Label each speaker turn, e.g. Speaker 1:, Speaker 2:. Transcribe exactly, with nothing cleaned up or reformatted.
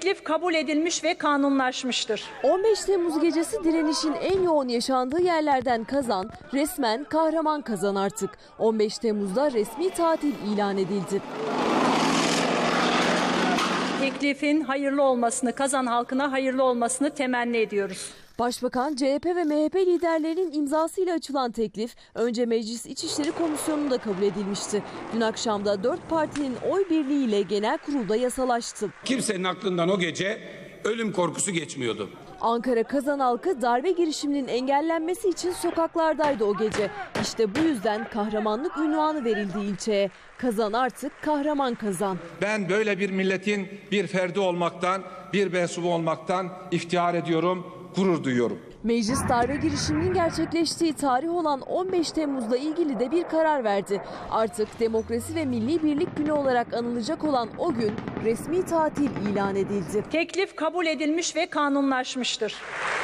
Speaker 1: Teklif kabul edilmiş ve kanunlaşmıştır.
Speaker 2: on beş Temmuz gecesi direnişin en yoğun yaşandığı yerlerden Kazan, resmen kahraman Kazan artık. on beş Temmuz'da resmi tatil ilan edildi.
Speaker 1: Teklifin hayırlı olmasını, Kazan halkına hayırlı olmasını temenni ediyoruz.
Speaker 2: Başbakan, C H P ve M H P liderlerinin imzasıyla açılan teklif önce Meclis İçişleri Komisyonu'nda kabul edilmişti. Dün akşam da dört partinin oy birliğiyle genel kurulda yasalaştı.
Speaker 3: Kimsenin aklından o gece ölüm korkusu geçmiyordu.
Speaker 2: Ankara Kazan halkı darbe girişiminin engellenmesi için sokaklardaydı o gece. İşte bu yüzden kahramanlık unvanı verildi ilçeye. Kazan artık kahraman Kazan.
Speaker 4: Ben böyle bir milletin bir ferdi olmaktan, bir mensubu olmaktan iftihar ediyorum, gurur duyuyorum.
Speaker 2: Meclis darbe girişiminin gerçekleştiği tarih olan on beş Temmuz'la ilgili de bir karar verdi. Artık Demokrasi ve Milli Birlik Günü olarak anılacak olan o gün resmi tatil ilan edildi.
Speaker 1: Teklif kabul edilmiş ve kanunlaşmıştır.